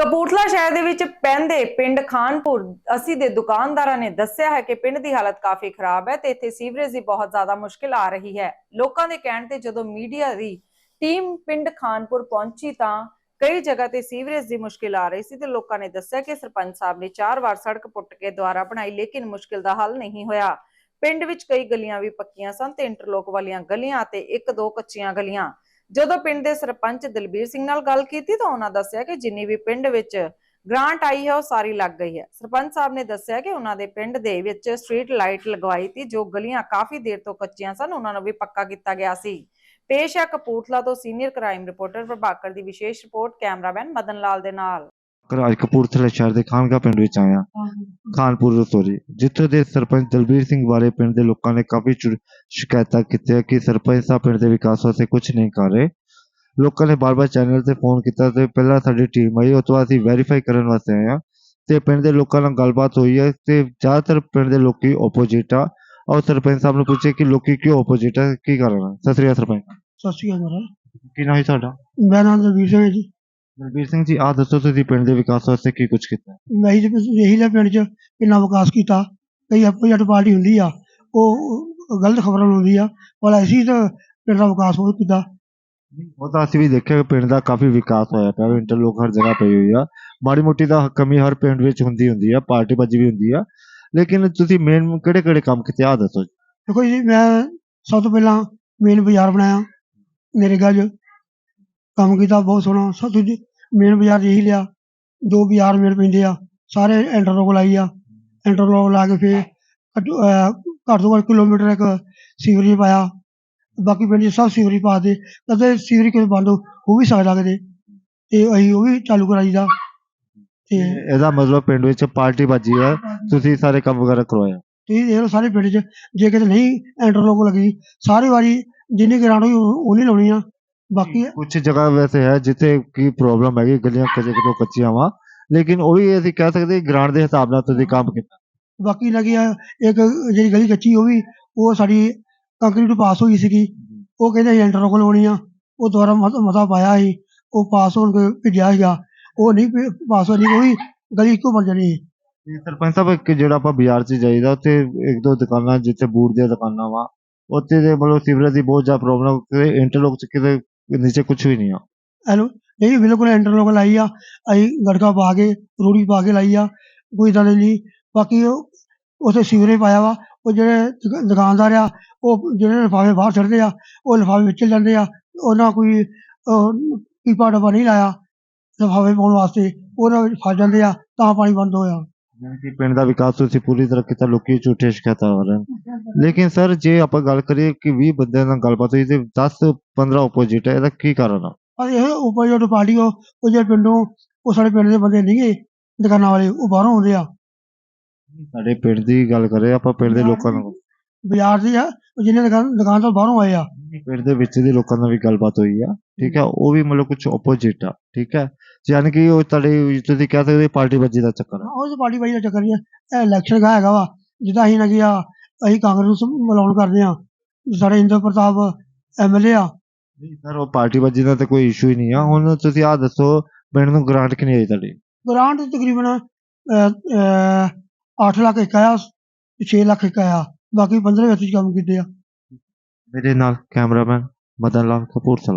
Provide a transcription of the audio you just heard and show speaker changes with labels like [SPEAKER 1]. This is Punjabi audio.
[SPEAKER 1] ਕਪੂਰਥਲਾ ਸ਼ਹਿਰ ਦੇ ਵਿੱਚ ਪੈਂਦੇ ਪਿੰਡ ਖਾਨਪੁਰ ਅਸੀਂ ਦੇ ਦੁਕਾਨਦਾਰਾਂ ਨੇ ਦੱਸਿਆ ਹੈ ਕਿ ਪਿੰਡ ਦੀ ਹਾਲਤ ਕਾਫੀ ਖਰਾਬ ਹੈ ਤੇ ਇੱਥੇ ਸੀਵਰੇਜ ਦੀ ਬਹੁਤ ਜ਼ਿਆਦਾ ਮੁਸ਼ਕਿਲ ਆ ਰਹੀ ਹੈ। ਲੋਕਾਂ ਦੇ ਕਹਿਣ ਤੇ ਜਦੋਂ ਮੀਡੀਆ ਦੀ ਟੀਮ ਪਿੰਡ ਖਾਨਪੁਰ ਪਹੁੰਚੀ ਤਾਂ ਕਈ ਜਗ੍ਹਾ ਤੇ ਸੀਵਰੇਜ ਦੀ ਮੁਸ਼ਕਿਲ ਆ ਰਹੀ ਸੀ ਤੇ ਲੋਕਾਂ ਨੇ ਦੱਸਿਆ ਕਿ ਸਰਪੰਚ ਸਾਹਿਬ ਨੇ 4 ਵਾਰ ਸੜਕ ਪੁੱਟ ਕੇ ਦੁਆਰਾ ਬਣਾਈ ਲੇਕਿਨ ਮੁਸ਼ਕਿਲ ਦਾ ਹੱਲ ਨਹੀਂ ਹੋਇਆ। ਪਿੰਡ ਵਿੱਚ ਕਈ ਗਲੀਆਂ ਵੀ ਪੱਕੀਆਂ ਸਨ ਤੇ ਇੰਟਰਲੋਕ ਵਾਲੀਆਂ ਗਲੀਆਂ ਤੇ 1-2 ਕੱਚੀਆਂ ਗਲੀਆਂ। ਜਦੋਂ ਪਿੰਡ ਦੇ ਸਰਪੰਚ ਦਲਬੀਰ ਸਿੰਘ ਨਾਲ ਗੱਲ ਕੀਤੀ ਤਾਂ ਉਹਨਾਂ ਦੱਸਿਆ ਕਿ ਜਿੰਨੀ ਵੀ ਪਿੰਡ ਵਿੱਚ ਗ੍ਰਾਂਟ ਆਈ ਹੈ ਉਹ ਸਾਰੀ ਲੱਗ ਗਈ ਹੈ। ਸਰਪੰਚ ਸਾਹਿਬ ਨੇ ਦੱਸਿਆ ਕਿ ਉਹਨਾਂ ਦੇ ਪਿੰਡ ਦੇ ਵਿੱਚ ਸਟਰੀਟ ਲਾਈਟ ਲਗਵਾਈ ਸੀ, ਜੋ ਗਲੀਆਂ ਕਾਫੀ ਦੇਰ ਤੋਂ ਕੱਚੀਆਂ ਸਨ ਉਹਨਾਂ ਨੂੰ ਵੀ ਪੱਕਾ ਕੀਤਾ ਗਿਆ ਸੀ। ਪੇਸ਼ ਹੈ ਕਪੂਰਥਲਾ ਤੋਂ ਸੀਨੀਅਰ ਕ੍ਰਾਈਮ ਰਿਪੋਰਟਰ ਪ੍ਰਭਾਕਰ ਦੀ ਵਿਸ਼ੇਸ਼ ਰਿਪੋਰਟ, ਕੈਮਰਾਮੈਨ ਮਦਨ ਲਾਲ ਦੇ ਨਾਲ।
[SPEAKER 2] ਅੱਜ ਕਪੂਰਥਲਾ ਸ਼ਹਿਰ ਦੇ ਖਾਨਗਾ ਪਿੰਡ ਵਿੱਚ ਆਇਆ ਖਾਨਪੁਰ ਸੋਰੀ, ਜਿੱਥੇ ਦੇ ਸਰਪੰਚ ਦਲਬੀਰ ਸਿੰਘ ਬਾਰੇ ਪਿੰਡ ਦੇ ਲੋਕਾਂ ਨੇ ਕਾਫੀ ਸ਼ਿਕਾਇਤਾਂ ਕੀਤੀਆਂ ਕਿ ਸਰਪੰਚ ਸਾਹਿਬ ਪਿੰਡ ਦੇ ਵਿਕਾਸ ਵਾਸਤੇ ਕੁਝ ਨਹੀਂ ਕਰ ਰਹੇ। ਲੋਕਾਂ ਨੇ ਬਾਰ-ਬਾਰ ਚੈਨਲ ਤੇ ਫੋਨ ਕੀਤਾ ਤੇ ਪਹਿਲਾਂ ਸਾਡੀ ਟੀਮ ਆਈ, ਉਸ ਤੋਂ ਬਾਅਦ ਅਸੀਂ ਵੈਰੀਫਾਈ ਕਰਨ ਵਾਸਤੇ ਆਏ ਹਾਂ ਤੇ ਪਿੰਡ ਦੇ ਲੋਕਾਂ ਨਾਲ ਗੱਲਬਾਤ ਹੋਈ ਹੈ ਤੇ ਜ਼ਿਆਦਾਤਰ ਪਿੰਡ ਦੇ ਲੋਕੀ ਓਪੋਜਿਟ ਆ। ਔਰ ਸਰਪੰਚ ਸਾਹਿਬ ਨੂੰ ਪੁੱਛੇ ਕਿ ਲੋਕੀ ਕਿਉਂ ਓਪੋਜਿਟ ਆ, ਕੀ ਕਾਰਨ ਹੈ। ਸਤਿ ਸ੍ਰੀ ਅਕਾਲ ਸਰਪੰਚ।
[SPEAKER 3] ਸਤਿ ਸ਼੍ਰੀ ਅਕਾਲ ਮਹਾਰਾਜ।
[SPEAKER 2] ਕੀ ਨਾਮ ਹੈ ਤੁਹਾਡਾ?
[SPEAKER 3] ਮੇਰਾ ਨਾਮ ਦਲਬੀਰ ਸਿੰਘ ਹੈ ਜੀ।
[SPEAKER 2] ਦਲਬੀਰ ਸਿੰਘ ਜੀ, ਆਹ ਦੱਸੋ ਤੁਸੀਂ ਪਿੰਡ ਦੇ ਵਿਕਾਸ ਵਾਸਤੇ ਕੀ ਕੁਝ ਕੀਤਾ?
[SPEAKER 3] ਮੈਂ ਇਹੀ ਲਿਆ ਪਿੰਡ 'ਚ ਕਿੰਨਾ ਵਿਕਾਸ ਕੀਤਾ। ਕਈ ਆਪੋਜੀਟ ਪਾਰਟੀ ਹੁੰਦੀ ਆ, ਉਹ ਗਲਤ ਖਬਰਾਂ ਲਾਉਂਦੀ ਆ, ਪਰ ਅਸੀਂ ਤਾਂ ਪਿੰਡ ਦਾ ਵਿਕਾਸ ਬਹੁਤ ਕੀਤਾ।
[SPEAKER 2] ਉਹ ਤਾਂ ਅਸੀਂ ਵੀ ਦੇਖਿਆ ਕਿ ਪਿੰਡ ਦਾ ਕਾਫੀ ਵਿਕਾਸ ਹੋਇਆ ਪਿਆ, ਇੰਟਰਲੋਕ ਹਰ ਜਗ੍ਹਾ ਪਈ ਹੋਈ ਆ। ਮਾੜੀ ਮੋਟੀ ਤਾਂ ਕਮੀ ਹਰ ਪਿੰਡ ਵਿੱਚ ਹੁੰਦੀ ਆ, ਪਾਰਟੀਬਾਜ਼ੀ ਵੀ ਹੁੰਦੀ ਆ, ਲੇਕਿਨ ਤੁਸੀਂ ਮੇਨ ਕਿਹੜੇ ਕੰਮ ਕੀਤੇ ਆਹ ਦੱਸੋ ਜੀ।
[SPEAKER 3] ਦੇਖੋ ਜੀ, ਮੈਂ ਸਭ ਤੋਂ ਪਹਿਲਾਂ ਮੇਨ ਬਾਜ਼ਾਰ ਬਣਾਇਆ, ਨਰੇਗਾ 'ਚ ਕੰਮ ਕੀਤਾ ਬਹੁਤ ਸੋਹਣਾ। ਸਭ ਤੋਂ ਮੇਨ ਬਾਜ਼ਾਰ ਇਹੀ ਲਿਆ, 2 ਬਾਜ਼ਾਰ ਮੇਨ ਪੈਂਦੇ ਆ, ਸਾਰੇ ਇੰਟਰਲੋਕ ਲਾਈ ਆ। ਇੰਟਰਲੋਕ ਲਾ ਕੇ ਫਿਰ ਘੱਟ ਤੋਂ ਘੱਟ ਕਿਲੋਮੀਟਰ ਇੱਕ ਸੀਵਰੇਜ ਪਾਇਆ। ਬਾਕੀ ਪਿੰਡ 'ਚ ਸਭ ਸੀਵਰੇਜ ਪਾ ਦੇ, ਕਦੇ ਸੀਵਰੇਜ ਕਿਤੇ ਬੰਦ ਹੋ ਵੀ ਸਕਦਾ ਕਿਤੇ, ਤੇ ਅਸੀਂ ਉਹ ਵੀ ਚਾਲੂ ਕਰਾਈ ਦਾ। ਤੇ
[SPEAKER 2] ਇਹਦਾ ਮਤਲਬ ਪਿੰਡ ਵਿੱਚ ਪਾਰਟੀਬਾਜ਼ੀ ਹੈ, ਤੁਸੀਂ ਸਾਰੇ ਕੰਮ ਵਗੈਰਾ ਕਰਵਾਇਆ।
[SPEAKER 3] ਤੁਸੀਂ ਦੇਖ ਲਓ ਸਾਰੇ ਪਿੰਡ 'ਚ ਜੇ ਕਿਤੇ ਨਹੀਂ ਇੰਟਰਲੋਕ ਲੱਗੀ, ਸਾਰੀ ਵਾਰੀ ਜਿੰਨੀ ਗਰਾਂਟ ਹੋਈ ਉਹਨੀ ਲਾਉਣੀ ਆ। ਬਾਕੀ
[SPEAKER 2] ਕੁਝ ਜਗ੍ਹਾ ਵੈਸੇ ਹੈ ਜਿੱਥੇ ਕੀ ਪ੍ਰੋਬਲਮ ਹੈਗੀ, ਗਲੀਆਂ ਤੋਂ ਕੱਚੀਆਂ ਵਾ, ਲੇਕਿਨ ਉਹ ਵੀ ਅਸੀਂ ਕਹਿ ਸਕਦੇ ਗ੍ਰਾਂਟ ਦੇ ਹਿਸਾਬ ਨਾਲ ਤੁਸੀਂ ਕੰਮ ਕੀਤਾ।
[SPEAKER 3] ਬਾਕੀ ਲੱਗੀ ਆ ਇੱਕ ਜਿਹੜੀ ਗਲੀ ਕੱਚੀ, ਉਹ ਸਾਡੀ ਕੰਕਰੀਟ ਪਾਸ ਹੋਈ ਸੀਗੀ। ਉਹ ਕਹਿੰਦੇ ਅਸੀਂ ਇੰਟਰਲੋਕ ਲਾਉਣੀ ਆ, ਉਹ ਦੁਬਾਰਾ ਮਤਾ ਪਾਇਆ ਸੀ, ਉਹ ਪਾਸ ਹੋਣ ਕੇ ਭੇਜਿਆ ਸੀਗਾ, ਉਹ ਨਹੀਂ ਪਾਸ ਹੋਣੀ, ਉਹ ਵੀ ਗਲੀ ਇੱਕੋ ਬਣ ਜਾਣੀ ਸੀ।
[SPEAKER 2] ਸਰਪੰਚ ਸਾਹਿਬ, ਜਿਹੜਾ ਆਪਾਂ ਬਾਜ਼ਾਰ 'ਚ ਜਾਈਦਾ ਉੱਥੇ 1-2 ਦੁਕਾਨਾਂ ਜਿੱਥੇ ਬੂਟ ਦੀਆਂ ਦੁਕਾਨਾਂ ਵਾ, ਉੱਥੇ ਦੇ ਮਤਲਬ ਸੀਵਰੇਜ ਦੀ ਬਹੁਤ ਜ਼ਿਆਦਾ ਪ੍ਰੋਬਲਮ, ਇੰਟਰਲੋਕ 'ਚ ਕਿਤੇ ਨੀਚੇ ਕੁਝ ਵੀ ਨਹੀਂ ਆ।
[SPEAKER 3] ਹੈਲੋ, ਨਹੀਂ ਬਿਲਕੁਲ ਇੰਟਰਲੋਕ ਲਾਈ ਆ, ਅਸੀਂ ਗੜਕਾ ਪਾ ਕੇ ਰੂੜੀ ਪਾ ਕੇ ਲਾਈ ਆ, ਕੋਈ ਇੱਦਾਂ ਦੀ ਨਹੀਂ। ਬਾਕੀ ਉੱਥੇ ਸੀਵਰੇਜ ਪਾਇਆ ਵਾ, ਉਹ ਜਿਹੜੇ ਦੁਕਾਨਦਾਰ ਆ, ਉਹ ਜਿਹੜੇ ਲਿਫਾਫੇ ਬਾਹਰ ਛੱਡਦੇ ਆ, ਉਹ ਲਿਫਾਫੇ ਵਿੱਚ ਜਾਂਦੇ ਆ। ਉਹਨਾਂ ਕੋਈ ਪੀਪਾ ਡੱਬਾ ਨਹੀਂ ਲਾਇਆ ਲਿਫਾਫੇ ਪਾਉਣ ਵਾਸਤੇ, ਉਹਨਾਂ ਵਿੱਚ ਫਸ ਜਾਂਦੇ ਆ, ਤਾਂ ਪਾਣੀ ਬੰਦ ਹੋਇਆ।
[SPEAKER 2] ਯਾਨੀ ਕਿ ਪਿੰਡ ਦਾ ਵਿਕਾਸ ਤੁਸੀਂ ਪੂਰੀ ਤਰ੍ਹਾਂ ਕੀਤਾ, ਲੋਕੀ ਝੂਠੇ ਸ਼ਿਕਾਇਤਾਂ ਆ ਰਹੇ ਨੇ। ਲੇਕਿਨ ਸਰ, ਜੇ ਆਪਾਂ ਗੱਲ ਕਰੀਏ ਕਿ 20 ਬੰਦਿਆਂ ਨਾਲ ਗੱਲਬਾਤ ਹੋਈ ਤੇ 10-15 ਓਪੋਜਿਟ ਹੈ, ਇਹਦਾ ਕੀ ਕਾਰਨ ਆ?
[SPEAKER 3] ਪਰ ਇਹ ਓਪੋਜਿਟ ਪਾਰਟੀ ਉਹ ਜਿਹੜੇ ਪਿੰਡੋਂ, ਉਹ ਸਾਡੇ ਪਿੰਡ ਦੇ ਬੰਦੇ ਨਹੀਂ ਗੇ ਦੁਕਾਨਾਂ ਵਾਲੇ, ਉਹ ਬਾਹਰੋਂ ਆਉਂਦੇ ਆ।
[SPEAKER 2] ਸਾਡੇ ਪਿੰਡ ਦੀ ਗੱਲ ਕਰੇ ਆਪਾਂ, ਪਿੰਡ ਦੇ ਲੋਕਾਂ ਨਾਲ
[SPEAKER 3] ਬਾਜ਼ਾਰ ਦੀ ਆ, ਜਿਹਨੇ ਦੁਕਾਨ ਤੋਂ ਬਾਹਰੋਂ ਆਏ ਆ।
[SPEAKER 2] ਪਿੰਡ ਦੇ ਵਿੱਚ ਦੇ ਲੋਕਾਂ ਨਾਲ ਵੀ ਗੱਲਬਾਤ ਹੋਈ ਆ, ਠੀਕ ਹੈ, ਉਹ ਵੀ ਮਤਲਬ ਕੁਝ ਓਪੋਜਿਟ ਆ, ਠੀਕ ਹੈ। ਯਾਨੀ ਕਿ ਉਹ ਤੁਹਾਡੇ ਤੁਸੀਂ ਕਹਿ ਸਕਦੇ ਪਾਰਟੀਬਾਜ਼ੀ ਦਾ ਚੱਕਰ ਆ।
[SPEAKER 3] ਉਹ ਪਾਰਟੀ ਬਾਜੀ ਦਾ ਚੱਕਰ ਨਹੀਂ ਹੈ, ਇਹ ਇਲੈਕਸ਼ਨ ਦਾ ਹੈਗਾ ਵਾ। ਜਿੱਦਾਂ ਅਸੀਂ ਲੱਗੇ ਆ, ਅਸੀਂ ਕਾਂਗਰਸ ਨੂੰ ਮਿਲਾਉਣ ਕਰਦੇ ਆ, ਸਾਡੇ ਇੰਦਰ ਪ੍ਰਤਾਪ MLA ਆ।
[SPEAKER 2] ਨਹੀਂ ਸਰ, ਉਹ ਪਾਰਟੀਬਾਜ਼ੀ ਦਾ ਤਾਂ ਕੋਈ ਇਸ਼ੂ ਹੀ ਨਹੀਂ ਆ। ਹੁਣ ਤੁਸੀਂ ਆਹ ਦੱਸੋ, ਪਿੰਡ ਨੂੰ ਗ੍ਰਾਂਟ ਕਿੰਨੀ ਆਈ ਤੁਹਾਡੀ?
[SPEAKER 3] ਗ੍ਰਾਂਟ ਤਕਰੀਬਨ 8 ਲੱਖ ਇੱਕ ਆਇਆ, 6 ਲੱਖ ਇੱਕ ਆਇਆ, ਬਾਕੀ 15 ਵਿੱਚ ਕੰਮ ਕੀਤੇ ਆ।
[SPEAKER 2] ਮੇਰੇ ਨਾਲ ਕੈਮਰਾਮੈਨ ਮਦਨ ਲਾਲ, ਕਪੂਰਥਲਾ।